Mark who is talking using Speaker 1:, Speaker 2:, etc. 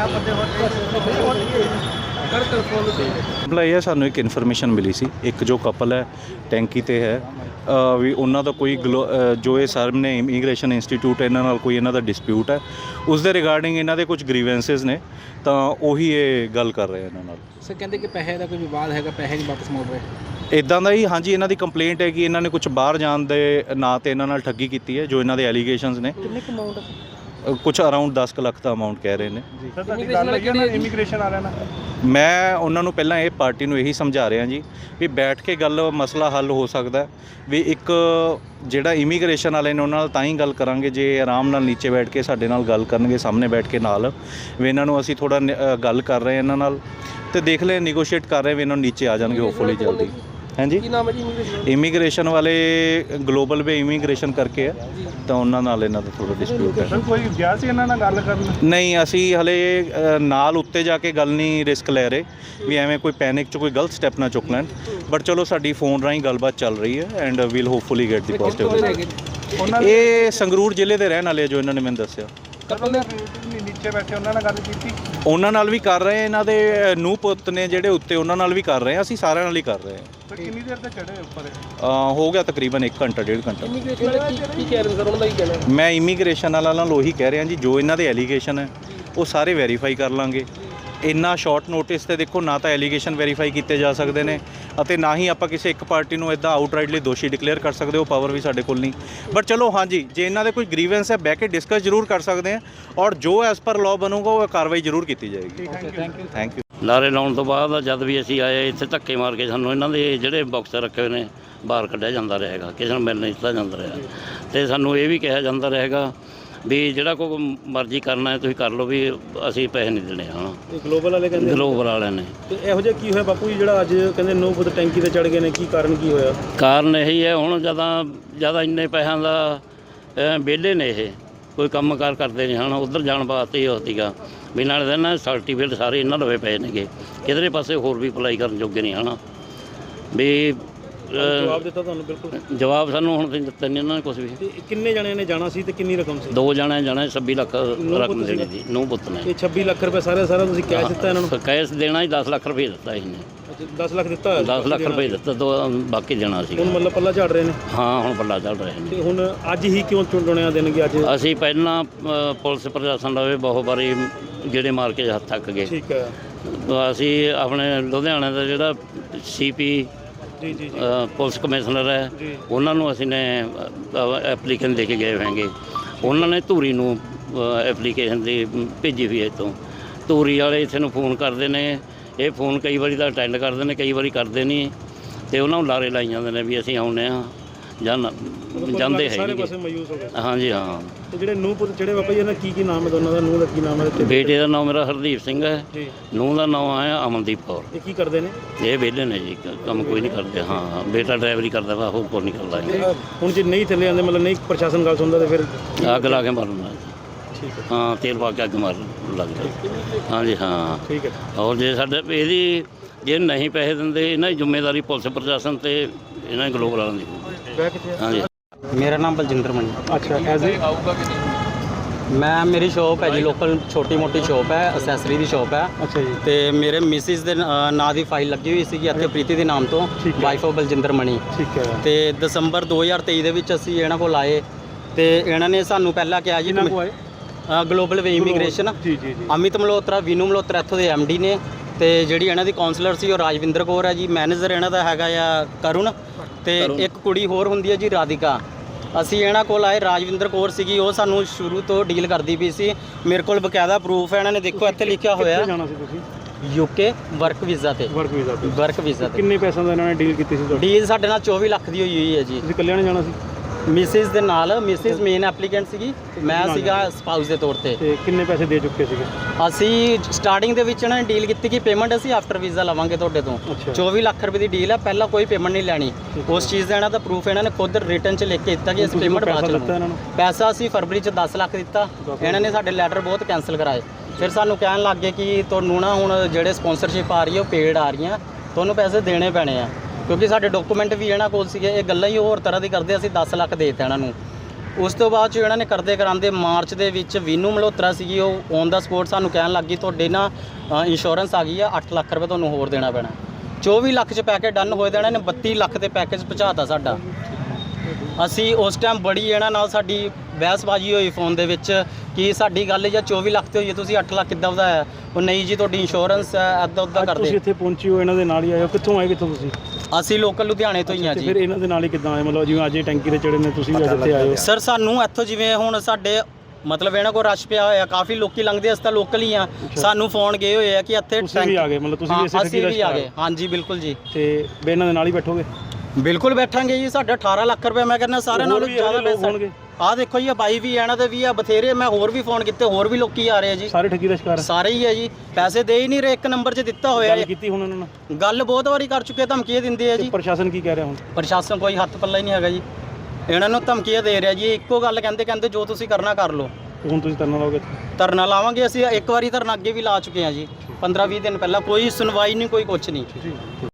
Speaker 1: ਮਾਮਲਾ ਇਹ ਹੈ, ਸਾਨੂੰ ਇੱਕ ਇਨਫੋਰਮੇਸ਼ਨ ਮਿਲੀ ਸੀ, ਇੱਕ ਜੋ ਕਪਲ ਹੈ ਟੈਂਕੀ ਤੇ ਹੈ ਵੀ ਉਹਨਾਂ ਦਾ ਕੋਈ ਜੋ ਇਹ ਸਾਹਮਣੇ ਇਮੀਗ੍ਰੇਸ਼ਨ ਇੰਸਟੀਚਿਊਟ ਇਹਨਾਂ ਨਾਲ ਕੋਈ ਇਹਨਾਂ ਦਾ ਡਿਸਪਿਊਟ ਹੈ, ਉਸ ਦੇ ਰਿਗਾਰਡਿੰਗ ਇਹਨਾਂ ਦੇ ਕੁਝ ਗ੍ਰੀਵੈਂਸਿਸ ਨੇ, ਤਾਂ ਉਹੀ ਇਹ ਗੱਲ ਕਰ ਰਹੇ ਇਹਨਾਂ ਨਾਲ।
Speaker 2: ਸਰ ਕਹਿੰਦੇ ਕਿ ਪੈਸੇ ਦਾ ਕੋਈ ਵਿਵਾਦ ਹੈਗਾ, ਪੈਸੇ ਨਹੀਂ ਵਾਪਸ ਮੋੜ ਰਹੇ
Speaker 1: ਇੱਦਾਂ ਦਾ ਹੀ। ਹਾਂਜੀ, ਇਹਨਾਂ ਦੀ ਕੰਪਲੇਂਟ ਹੈ ਕਿ ਇਹਨਾਂ ਨੇ ਕੁਝ ਬਾਹਰ ਜਾਣ ਦੇ ਨਾਂ 'ਤੇ ਇਹਨਾਂ ਨਾਲ ਠੱਗੀ ਕੀਤੀ ਹੈ, ਜੋ ਇਹਨਾਂ ਦੇ ਐਲੀਗੇਸ਼ਨਸ ਨੇ।
Speaker 2: ਕਿੰਨੇ ਕੁ ਅਮਾਊਂਟ?
Speaker 1: ਕੁਝ ਅਰਾਊਂਡ 10 ਲੱਖ ਦਾ ਅਮਾਊਂਟ ਕਹਿ ਰਹੇ ਨੇ।
Speaker 2: ਇਮੀਗ੍ਰੇਸ਼ਨ ਵਾਲਿਆਂ ਨਾਲ
Speaker 1: ਮੈਂ ਉਹਨਾਂ ਨੂੰ ਪਹਿਲਾਂ ਇਹ ਪਾਰਟੀ ਨੂੰ ਇਹੀ ਸਮਝਾ ਰਿਹਾ ਜੀ ਵੀ ਬੈਠ ਕੇ ਮਸਲਾ ਹੱਲ ਹੋ ਸਕਦਾ ਵੀ ਇੱਕ ਜਿਹੜਾ ਇਮੀਗ੍ਰੇਸ਼ਨ ਵਾਲੇ ਨੇ ਉਹਨਾਂ ਨਾਲ ਤਾਂ ਹੀ ਗੱਲ ਕਰਾਂਗੇ ਜੇ ਆਰਾਮ ਨਾਲ ਨੀਚੇ ਬੈਠ ਕੇ ਸਾਡੇ ਨਾਲ ਗੱਲ ਕਰਨਗੇ, ਸਾਹਮਣੇ ਬੈਠ ਕੇ ਨਾਲ ਵੀ ਇਹਨਾਂ ਨੂੰ ਅਸੀਂ ਥੋੜ੍ਹਾ ਗੱਲ ਕਰ ਰਹੇ ਇਹਨਾਂ ਨਾਲ ਤੇ ਦੇਖ ਲੈ ਨੈਗੋਸ਼ੀਏਟ ਕਰ ਰਹੇ ਵੀ ਇਹਨਾਂ ਨੂੰ ਨੀਚੇ ਆ ਜਾਣਗੇ ਹੋਪਫੁਲੀ ਜਲਦੀ। ਹਾਂਜੀ,
Speaker 2: ਕੀ ਨਾਮ ਹੈ ਜੀ
Speaker 1: ਇਮੀਗ੍ਰੇਸ਼ਨ ਵਾਲੇ ਗਲੋਬਲ ਵੇ ਇਮੀਗ੍ਰੇਸ਼ਨ ਕਰਕੇ ਹੈ, ਤਾਂ ਉਹਨਾਂ ਨਾਲ ਇਹਨਾਂ ਦਾ ਥੋੜ੍ਹਾ ਡਿਸਪਿਊਟ ਹੈ।
Speaker 3: ਕੋਈ ਗਿਆ ਸੀ ਇਹਨਾਂ ਨਾਲ ਗੱਲ ਕਰਨ?
Speaker 1: ਨਹੀਂ, ਅਸੀਂ ਹਲੇ ਨਾਲ ਉੱਤੇ ਜਾ ਕੇ ਗੱਲ ਨਹੀਂ ਰਿਸਕ ਲੈ ਰਹੇ ਵੀ ਐਵੇਂ ਕੋਈ ਪੈਨਿਕ 'ਚ ਕੋਈ ਗਲਤ ਸਟੈਪ ਨਾ ਚੁੱਕ ਲੈਣ, ਬਟ ਚਲੋ ਸਾਡੀ ਫੋਨ ਰਾਹੀਂ ਗੱਲਬਾਤ ਚੱਲ ਰਹੀ ਹੈ and will hopefully get the positive. ਇਹ ਸੰਗਰੂਰ ਜ਼ਿਲ੍ਹੇ ਦੇ ਰਹਿਣ ਵਾਲੇ ਜੋ ਇਹਨਾਂ ਨੇ ਮੈਨੂੰ ਦੱਸਿਆ।
Speaker 3: ਨੀਚੇ ਬੈਠੇ ਉਹਨਾਂ ਨਾਲ ਗੱਲ ਕੀਤੀ?
Speaker 1: ਉਹਨਾਂ ਨਾਲ ਵੀ ਕਰ ਰਹੇ, ਇਹਨਾਂ ਦੇ ਨੂੰਹ ਪੁੱਤ ਨੇ ਜਿਹੜੇ ਉੱਤੇ, ਉਹਨਾਂ ਨਾਲ ਵੀ ਕਰ ਰਹੇ ਹਾਂ, ਅਸੀਂ ਸਾਰਿਆਂ ਨਾਲ ਹੀ ਕਰ ਰਹੇ ਹਾਂ।
Speaker 3: ਕਿੰਨੀ ਦੇਰ ਤੱਕ ਚੜ੍ਹੇ ਉੱਪਰ?
Speaker 1: ਹੋ ਗਿਆ ਤਕਰੀਬਨ 1 ਘੰਟਾ 1.5 ਘੰਟਾ।
Speaker 2: ਇਮੀਗ੍ਰੇਸ਼ਨ ਵਾਲੇ ਕੀ ਕਹਿ ਰਹੇ ਸਰ, ਉਹਨਾਂ ਦਾ ਕੀ ਕਹਿਣਾ?
Speaker 1: ਮੈਂ ਇਮੀਗ੍ਰੇਸ਼ਨ ਵਾਲਾ ਨਾਲ ਉਹੀ ਕਹਿ ਰਿਹਾ ਜੀ, ਜੋ ਇਹਨਾਂ ਦੇ ਐਲੀਗੇਸ਼ਨ ਹੈ ਉਹ ਸਾਰੇ ਵੈਰੀਫਾਈ ਕਰ ਲਾਂਗੇ। ਇੰਨਾ ਸ਼ਾਰਟ ਨੋਟਿਸ ਤੇ ਦੇਖੋ ਨਾ ਤਾਂ ਐਲੀਗੇਸ਼ਨ ਵੈਰੀਫਾਈ ਕੀਤੇ ਜਾ ਸਕਦੇ ਨੇ ਅਤੇ ਨਾ ਹੀ ਆਪਾਂ ਕਿਸੇ ਇੱਕ ਪਾਰਟੀ ਨੂੰ ਇੱਦਾਂ ਆਊਟਰਾਈਟਲੀ ਦੋਸ਼ੀ ਡਿਕਲੇਅਰ ਕਰ ਸਕਦੇ, ਉਹ ਪਾਵਰ ਵੀ ਸਾਡੇ ਕੋਲ ਨਹੀਂ। ਬਟ ਚਲੋ ਹਾਂਜੀ, ਜੇ ਇਹਨਾਂ ਦੇ ਕੋਈ ਗ੍ਰੀਵੈਂਸ ਹੈ ਬਹਿ ਕੇ ਡਿਸਕਸ ਜ਼ਰੂਰ ਕਰ ਸਕਦੇ ਹਾਂ ਔਰ ਜੋ ਐਜ਼ ਪਰ ਲਾਅ ਬਣੂਗਾ ਉਹ ਕਾਰਵਾਈ ਜ਼ਰੂਰ ਕੀਤੀ ਜਾਏਗੀ। Thank you.
Speaker 4: ਨਾਅਰੇ ਲਾਉਣ ਤੋਂ ਬਾਅਦ ਜਦ ਵੀ ਅਸੀਂ ਆਏ ਇੱਥੇ ਧੱਕੇ ਮਾਰ ਕੇ ਸਾਨੂੰ ਇਹਨਾਂ ਦੇ ਜਿਹੜੇ ਬਾਕਸ ਰੱਖੇ ਹੋਏ ਨੇ ਬਾਹਰ ਕੱਢਿਆ ਜਾਂਦਾ ਰਹੇਗਾ, ਕਿਸੇ ਨੂੰ ਮਿਲ ਨਹੀਂ ਦਿੱਤਾ ਜਾਂਦਾ ਰਿਹਾ ਅਤੇ ਸਾਨੂੰ ਇਹ ਵੀ ਕਿਹਾ ਜਾਂਦਾ ਰਹੇਗਾ ਵੀ ਜਿਹੜਾ ਕੋਈ ਮਰਜ਼ੀ ਕਰਨਾ ਹੈ ਤੁਸੀਂ ਕਰ ਲਓ, ਵੀ ਅਸੀਂ ਪੈਸੇ ਨਹੀਂ ਦੇਣੇ। ਹਾਂ,
Speaker 3: ਗਲੋਬਲ ਵਾਲੇ ਕਹਿੰਦੇ?
Speaker 4: ਗਲੋਬਲ ਵਾਲਿਆਂ ਨੇ।
Speaker 3: ਤੇ ਇਹੋ ਜਿਹਾ ਕੀ ਹੋਇਆ ਬਾਪੂ ਜੀ ਜਿਹੜਾ ਅੱਜ ਕਹਿੰਦੇ 9 ਫੁੱਟ ਟੈਂਕੀ ਤੇ ਚੜ੍ਹ ਗਏ ਨੇ, ਕੀ ਕਾਰਨ ਕੀ ਹੋਇਆ?
Speaker 4: ਕਾਰਨ ਇਹੀ ਹੈ, ਹੁਣ ਜ਼ਿਆਦਾ ਇੰਨੇ ਪੈਸਿਆਂ ਦਾ ਵਿਹਲੇ ਨੇ, ਇਹ ਕੋਈ ਕੰਮ ਕਾਰ ਕਰਦੇ ਨਹੀਂ ਹਨ, ਉੱਧਰ ਜਾਣ ਵਾਸਤੇ ਹੀ ਸੀਗਾ ਵੀ ਨਾਲ ਦੇ ਨਾ ਸਰਟੀਫਿਕੇਟ ਸਾਰੇ ਇਹਨਾਂ ਲਵੇ ਪਏ ਨੇਗੇ, ਕਿਧਰੇ ਪਾਸੇ ਹੋਰ ਵੀ ਅਪਲਾਈ ਕਰਨ ਜੋਗੇ ਨਹੀਂ ਹਨ ਵੀ।
Speaker 3: ਜਵਾਬ ਦਿੱਤਾ ਤੁਹਾਨੂੰ? ਬਿਲਕੁਲ
Speaker 4: ਜਵਾਬ ਸਾਨੂੰ ਹੁਣ ਦਿੱਤਾ ਨਹੀਂ ਇਹਨਾਂ ਨੇ ਕੁਝ ਵੀ।
Speaker 3: ਕਿੰਨੇ ਜਣਿਆਂ ਨੇ ਜਾਣਾ ਸੀ ਤੇ ਕਿੰਨੀ ਰਕਮ ਸੀ?
Speaker 4: 2 ਜਣੇ ਜਾਣਾ, 26 ਲੱਖ ਰਕਮ ਦੇਣੀ ਸੀ। 9 ਪੁੱਤ ਨੇ।
Speaker 3: ਇਹ 26 ਲੱਖ ਰੁਪਏ ਸਾਰਾ ਤੁਸੀਂ ਕੈਸ਼ ਦਿੱਤਾ ਇਹਨਾਂ ਨੂੰ?
Speaker 4: ਕੈਸ਼ ਦੇਣਾ ਹੀ 10 ਲੱਖ ਰੁਪਏ ਦਿੱਤਾ ਇਹਨੇ।
Speaker 3: 10 ਲੱਖ ਦਿੱਤਾ?
Speaker 4: 10 ਲੱਖ ਰੁਪਏ ਦਿੱਤਾ, ਬਾਕੀ ਦੇਣਾ ਸੀ।
Speaker 3: ਹੁਣ ਮਤਲਬ ਪੱਲਾ ਝਾੜ ਰਹੇ ਨੇ?
Speaker 4: ਹਾਂ, ਹੁਣ ਪੱਲਾ ਝਾੜ ਰਹੇ ਨੇ।
Speaker 3: ਤੇ ਹੁਣ ਅੱਜ ਹੀ ਕਿਉਂ ਚੁਣਿਆ ਦੇਣਗੇ ਅੱਜ?
Speaker 4: ਅਸੀਂ ਪਹਿਲਾਂ ਪੁਲਿਸ ਪ੍ਰਸ਼ਾਸਨ ਦਾ ਵੀ ਬਹੁਤ ਵਾਰੀ ਗੇੜੇ ਮਾਰ ਕੇ ਹੱਥ ਥੱਕ ਗਏ।
Speaker 3: ਠੀਕ ਹੈ।
Speaker 4: ਅਸੀਂ ਆਪਣੇ ਲੁਧਿਆਣੇ ਦਾ ਜਿਹੜਾ CP
Speaker 3: ਜੀ
Speaker 4: ਪੁਲਿਸ ਕਮਿਸ਼ਨਰ ਹੈ, ਉਹਨਾਂ ਨੂੰ ਅਸੀਂ ਨੇ ਐਪਲੀਕੇਸ਼ਨ ਦੇ ਕੇ ਗਏ ਹੋਏਗੇ। ਉਹਨਾਂ ਨੇ ਧੂਰੀ ਨੂੰ ਐਪਲੀਕੇਸ਼ਨ ਦੀ ਭੇਜੀ ਹੋਈ ਹੈ। ਇੱਥੋਂ ਧੂਰੀ ਵਾਲੇ ਇੱਥੇ ਨੂੰ ਫੋਨ ਕਰਦੇ ਨੇ, ਇਹ ਫੋਨ ਕਈ ਵਾਰੀ ਤਾਂ ਅਟੈਂਡ ਕਰਦੇ ਨੇ, ਕਈ ਵਾਰੀ ਕਰਦੇ ਨਹੀਂ, ਅਤੇ ਉਹਨਾਂ ਨੂੰ ਲਾਰੇ ਲਾਈ ਜਾਂਦੇ ਨੇ ਵੀ ਅਸੀਂ ਆਉਂਦੇ ਹਾਂ ਜਾਂ ਜਾਂਦੇ ਹੈ ਨਹੀਂ। ਹਾਂਜੀ ਹਾਂ।
Speaker 3: ਤੇ ਜਿਹੜੇ ਨੂੰਹ ਪੁੱਤ ਜਿਹੜੇ ਬਾਬਾ ਜੀ ਇਹਨਾਂ ਕੀ ਨਾਮ ਹੈ ਦੋਨਾਂ ਦਾ? ਨੂੰਹ ਦਾ ਕੀ ਨਾਮ ਹੈ?
Speaker 4: ਬੇਟੇ ਦਾ ਨਾਮ ਮੇਰਾ ਹਰਦੀਪ ਸਿੰਘ ਹੈ, ਨੂੰਹ ਦਾ ਨਾਮ ਹੈ ਅਮਨਦੀਪ ਕੌਰ।
Speaker 3: ਇਹ ਕੀ ਕਰਦੇ ਨੇ? ਇਹ
Speaker 4: ਵਿਹਲੇ ਨੇ ਜੀ, ਕੰਮ ਕੋਈ ਨਹੀਂ ਕਰਦੇ। ਹਾਂ, ਬੇਟਾ ਡਰਾਈਵਰੀ ਕਰਦਾ ਵਾ, ਹੋਰ ਕੋਈ ਨਹੀਂ ਕਰਦਾ।
Speaker 3: ਹੁਣ ਜੇ ਨਹੀਂ ਥੱਲੇ ਆਉਂਦੇ, ਮਤਲਬ ਨਹੀਂ ਪ੍ਰਸ਼ਾਸਨ ਗੱਲ ਸੁਣਦਾ, ਤਾਂ ਫਿਰ
Speaker 4: ਅੱਗ ਲਾ ਕੇ ਮਾਰਨਾ।
Speaker 3: ਠੀਕ ਹੈ।
Speaker 4: ਹਾਂ, ਤੇਲ ਪਾ ਕੇ ਅੱਗ ਮਾਰ ਲੱਗਦਾ। ਹਾਂਜੀ ਹਾਂ।
Speaker 3: ਠੀਕ ਹੈ।
Speaker 4: ਔਰ ਜੇ ਸਾਡੇ ਇਹਦੀ ਜੇ ਨਹੀਂ ਪੈਸੇ ਦਿੰਦੇ, ਇਹਨਾਂ ਦੀ ਜ਼ਿੰਮੇਵਾਰੀ ਪੁਲਿਸ ਪ੍ਰਸ਼ਾਸਨ ਤੇ ਇਹਨਾਂ ਗਲੋਬਲ ਵਾਲਿਆਂ ਦੀ। ਹਾਂਜੀ।
Speaker 5: ਮੇਰਾ ਨਾਮ ਬਲਜਿੰਦਰ ਮਣੀ।
Speaker 3: ਅੱਛਾ। ਐਜ਼ ਏ
Speaker 5: ਮੇਰੀ ਸ਼ੌਪ ਹੈ ਜੀ, ਲੋਕਲ ਛੋਟੀ ਮੋਟੀ ਸ਼ੌਪ ਹੈ, ਅਸੈਸਰੀ ਦੀ ਸ਼ੌਪ ਹੈ।
Speaker 3: ਅੱਛਾ ਜੀ।
Speaker 5: ਤੇ ਮੇਰੇ ਮਿਸਿਸ ਦੇ ਨਾਂ ਦੀ ਫਾਈਲ ਲੱਗੀ ਹੋਈ ਸੀਗੀ ਇੱਥੇ, ਪ੍ਰੀਤੀ ਦੇ ਨਾਮ ਤੋਂ, ਵਾਈਫ ਆਫ ਬਲਜਿੰਦਰ ਮਣੀ।
Speaker 3: ਠੀਕ ਹੈ।
Speaker 5: ਤੇ ਦਸੰਬਰ 2023 ਦੇ ਵਿੱਚ ਅਸੀਂ ਇਹਨਾਂ ਕੋਲ ਆਏ ਤੇ ਇਹਨਾਂ ਨੇ ਸਾਨੂੰ ਪਹਿਲਾਂ ਕਿਹਾ ਜੀ global way immigration, Amit Malhotra, Vinu Malhotra ਇੱਥੋਂ ਦੇ MD ਨੇ, ਤੇ ਜਿਹੜੀ ਇਹਨਾਂ ਦੀ ਕਾਉਂਸਲਰ ਸੀ ਉਹ ਰਾਜਵਿੰਦਰ ਕੌਰ ਹੈ ਜੀ। ਮੈਨੇਜਰ ਇਹਨਾਂ ਦਾ ਹੈਗਾ ਆ ਕਰੁਣ, ਤੇ ਇੱਕ ਕੁੜੀ ਹੋਰ ਹੁੰਦੀ ਹੈ ਜੀ ਰਾਧਿਕਾ। ਅਸੀਂ ਇਹਨਾਂ ਕੋਲ ਆਏ, ਰਾਜਵਿੰਦਰ ਕੌਰ ਸੀਗੀ, ਉਹ ਸਾਨੂੰ ਸ਼ੁਰੂ ਤੋਂ ਡੀਲ ਕਰਦੀ ਪਈ ਸੀ। ਮੇਰੇ ਕੋਲ ਬਕਾਇਦਾ ਪ੍ਰੂਫ ਹੈ, ਇਹਨਾਂ ਨੇ ਦੇਖੋ ਇੱਥੇ ਲਿਖਿਆ ਹੋਇਆ
Speaker 3: ਜਾਣਾ ਸੀ ਤੁਸੀਂ
Speaker 5: UK ਵਰਕ ਵੀਜ਼ਾ ਤੇ। ਵਰਕ ਵੀਜ਼ਾ ਤੇ
Speaker 3: ਕਿੰਨੇ ਪੈਸਿਆਂ ਦਾ ਇਹਨਾਂ ਨੇ ਡੀਲ ਕੀਤੀ ਸੀ?
Speaker 5: ਡੀਲ ਸਾਡੇ ਨਾਲ 24 ਲੱਖ ਦੀ ਹੋਈ ਹੈ ਜੀ।
Speaker 3: ਤੁਸੀਂ ਇਕੱਲਿਆਂ ਨੇ ਜਾਣਾ ਸੀ?
Speaker 5: ਮਿਸਿਸ ਦੇ ਨਾਲ, ਮਿਸਿਸ ਮੇਨ ਐਪਲੀਕੈਂਟ ਸੀਗੀ, ਮੈਂ ਸੀਗਾ ਸਪਾਊਸ ਦੇ ਤੌਰ ਤੇ।
Speaker 3: ਤੇ ਕਿੰਨੇ ਪੈਸੇ ਦੇ ਚੁੱਕੇ ਸੀਗੇ?
Speaker 5: ਅਸੀਂ ਸਟਾਰਟਿੰਗ ਦੇ ਵਿੱਚ ਇਹਨਾਂ ਨੇ ਡੀਲ ਕੀਤੀ ਕਿ ਪੇਮੈਂਟ ਅਸੀਂ ਆਫਟਰ ਵੀਜ਼ਾ ਲਵਾਂਗੇ ਤੁਹਾਡੇ ਤੋਂ। 24 ਲੱਖ ਰੁਪਏ ਦੀ ਡੀਲ ਹੈ, ਪਹਿਲਾਂ ਕੋਈ ਪੇਮੈਂਟ ਨਹੀਂ ਲੈਣੀ। ਉਸ ਚੀਜ਼ ਦਾ ਇਹਨਾਂ ਦਾ ਪ੍ਰੂਫ ਇਹਨਾਂ ਨੇ ਖੁਦ ਰਿਟਨ 'ਚ ਲਿਖ ਕੇ ਦਿੱਤਾ ਕਿ ਅਸੀਂ ਪੇਮੈਂਟ ਬਾਅਦ 'ਚ ਲਵਾਂਗੇ। ਪੈਸਾ ਅਸੀਂ ਫਰਵਰੀ 'ਚ 10 ਲੱਖ ਦਿੱਤਾ, ਇਹਨਾਂ ਨੇ ਸਾਡੇ ਲੈਟਰ ਬਹੁਤ ਕੈਂਸਲ ਕਰਾਏ। ਫਿਰ ਸਾਨੂੰ ਕਹਿਣ ਲੱਗ ਗਏ ਕਿ ਤੁਹਾਨੂੰ ਨਾ ਹੁਣ ਜਿਹੜੇ ਸਪਾਂਸਰਸ਼ਿਪ ਆ ਰਹੀ ਹੈ ਉਹ ਪੇਡ ਆ ਰਹੀਆਂ, ਤੁਹਾਨੂੰ ਪੈਸੇ ਦੇਣੇ ਪੈਣੇ ਆ, ਕਿਉਂਕਿ ਸਾਡੇ ਡਾਕੂਮੈਂਟ ਵੀ ਇਹਨਾਂ ਕੋਲ ਸੀਗੇ। ਇਹ ਗੱਲਾਂ ਹੀ ਹੋਰ ਤਰ੍ਹਾਂ ਦੀ ਕਰਦੇ, ਅਸੀਂ 10 ਲੱਖ ਦੇ ਦਿੱਤੇ ਇਹਨਾਂ ਨੂੰ। ਉਸ ਤੋਂ ਬਾਅਦ 'ਚ ਇਹਨਾਂ ਨੇ ਕਰਦੇ ਕਰਾਂਦੇ ਮਾਰਚ ਦੇ ਵਿੱਚ ਵੀਨੂ ਮਲਹੋਤਰਾ ਸੀਗੀ, ਉਹ ਔਨ ਦਾ ਸਪੋਰਟ ਸਾਨੂੰ ਕਹਿਣ ਲੱਗ ਗਈ ਤੁਹਾਡੇ ਨਾ ਇੰਸ਼ੋਰੈਂਸ ਆ ਗਈ ਆ, 8 ਲੱਖ ਰੁਪਏ ਤੁਹਾਨੂੰ ਹੋਰ ਦੇਣਾ ਪੈਣਾ। 24 ਲੱਖ 'ਚ ਪੈਕੇਜ ਡਨ ਹੋਏ ਦੇਣਾ ਨੇ 32 ਲੱਖ ਦੇ ਪੈਕੇਜ ਪਹੁੰਚਾਤਾ ਸਾਡਾ। ਅਸੀਂ ਉਸ ਟਾਈਮ ਬੜੀ ਇਹਨਾਂ ਨਾਲ ਸਾਡੀ ਬਹਿਸਬਾਜ਼ੀ ਹੋਈ ਫੋਨ ਦੇ ਵਿੱਚ ਕਿ ਸਾਡੀ ਗੱਲ ਜਾਂ 24 ਲੱਖ ਤੇ ਹੋਈ ਹੈ, ਤੁਸੀਂ 8 ਲੱਖ ਕਿੱਦਾਂ ਵਧਾਇਆ? ਉਹ ਨਹੀਂ ਜੀ ਤੁਹਾਡੀ ਇੰਸ਼ੋਰੈਂਸ ਹੈ, ਇੱਦਾਂ ਉੱਦਾਂ
Speaker 3: ਅੱਜ
Speaker 5: ਕਰਦੇ।
Speaker 3: ਤੁਸੀਂ ਇੱਥੇ ਪਹੁੰਚੇ ਹੋ, ਇਹਨਾਂ ਦੇ ਨਾਲ ਹੀ ਆਏ ਹੋ, ਕਿੱਥੋਂ ਆਏ ਕਿੱਥੋਂ ਤੁਸੀਂ?
Speaker 5: ਅਸੀਂ ਲੋਕਲ ਲੁਧਿਆਣੇ ਤੋਂ ਹੀ ਆ
Speaker 3: ਤੇ
Speaker 5: ਜੀ।
Speaker 3: ਫਿਰ ਇਹਨਾਂ ਦੇ ਨਾਲ ਹੀ ਕਿੱਦਾਂ ਆਏ? ਮਤਲਬ ਜਿਵੇਂ ਅੱਜ ਇਹ ਟੈਂਕੀ ਤੇ ਚੜੇ ਨੇ, ਤੁਸੀਂ ਵੀ ਅੱਜ ਇੱਥੇ ਆਏ ਹੋ।
Speaker 5: ਸਰ ਸਾਨੂੰ ਇੱਥੋਂ ਜਿਵੇਂ ਹੁਣ ਸਾਡੇ ਮਤਲਬ ਇਹਨਾਂ ਕੋਲ ਰਸ਼ ਪਿਆ ਹੋਇਆ, ਕਾਫੀ ਲੋਕੀ ਲੰਘਦੇ, ਅਸੀਂ ਤਾਂ ਲੋਕਲ ਹੀ ਆ। ਸਾਨੂੰ ਫੋਨ ਗਏ ਹੋਏ ਆ ਕਿ ਇੱਥੇ
Speaker 3: ਤੁਸੀਂ ਵੀ ਆ ਗਏ, ਮਤਲਬ ਤੁਸੀਂ ਵੀ ਇਸੇ ਠੱਗੀ ਦਾ
Speaker 5: ਅਸੀਂ ਵੀ ਆ ਗਏ। ਹਾਂਜੀ ਬਿਲਕੁਲ ਜੀ।
Speaker 3: ਤੇ ਵੀ ਇਹਨਾਂ ਦੇ ਨਾਲ ਹੀ ਬੈਠੋਗੇ?
Speaker 5: ਬਿਲਕੁਲ ਬੈਠਾਂਗੇ ਜੀ। ਸਾਡਾ 18 ਲੱਖ ਰੁਪਏ ਮੈਂ ਕਹਿੰਦਾ ਸਾਰਿਆਂ ਨਾਲੋਂ ਜ਼ਿਆਦਾ ਪੈਸਾ
Speaker 3: ਹੋਣਗੇ।
Speaker 5: ਆਹ ਦੇਖੋ ਜੀ, ਬਾਈ ਵੀ ਇਹਨਾਂ ਦੇ ਵੀ ਆ ਬਥੇਰੇ, ਮੈਂ ਹੋਰ ਵੀ ਫੋਨ ਕੀਤੇ, ਹੋਰ ਵੀ ਲੋਕੀ ਆ ਰਹੇ ਆ ਜੀ।
Speaker 3: ਸਾਰੇ ਠੱਗੀ ਦਾ ਸ਼ਿਕਾਰ?
Speaker 5: ਸਾਰੇ ਹੀ ਆ ਜੀ, ਪੈਸੇ ਦੇ ਹੀ ਨਹੀਂ ਰਹੇ। ਇੱਕ ਨੰਬਰ 'ਚ ਦਿੱਤਾ ਹੋਇਆ
Speaker 3: ਗੱਲ ਕੀਤੀ ਹੁਣ ਉਹਨਾਂ ਨਾਲ?
Speaker 5: ਗੱਲ ਬਹੁਤ ਵਾਰੀ ਕਰ ਚੁੱਕੇ, ਧਮਕੀਆਂ ਦਿੰਦੇ ਆ ਜੀ।
Speaker 3: ਪ੍ਰਸ਼ਾਸਨ ਕੀ ਕਹਿ ਰਿਹਾ ਹੁਣ?
Speaker 5: ਪ੍ਰਸ਼ਾਸਨ ਕੋਈ ਹੱਥ ਪੱਲਾ ਹੀ ਨਹੀਂ ਹੈਗਾ ਜੀ, ਇਹਨਾਂ ਨੂੰ ਧਮਕੀਆਂ ਦੇ ਰਿਹਾ ਜੀ। ਇੱਕੋ ਗੱਲ ਕਹਿੰਦੇ ਜੋ ਤੁਸੀਂ ਕਰਨਾ ਕਰ ਲਓ।
Speaker 3: ਹੁਣ ਤੁਸੀਂ ਧਰਨਾ ਲਾਓਗੇ?
Speaker 5: ਧਰਨਾ ਲਾਵਾਂਗੇ ਅਸੀਂ। ਇੱਕ ਵਾਰੀ ਧਰਨਾ ਅੱਗੇ ਵੀ ਲਾ ਚੁੱਕੇ ਹਾਂ ਜੀ, 15-20 ਦਿਨ ਪਹਿਲਾਂ। ਕੋਈ ਸੁਣਵਾਈ ਨਹੀਂ, ਕੋਈ ਕੁਛ ਨਹੀਂ।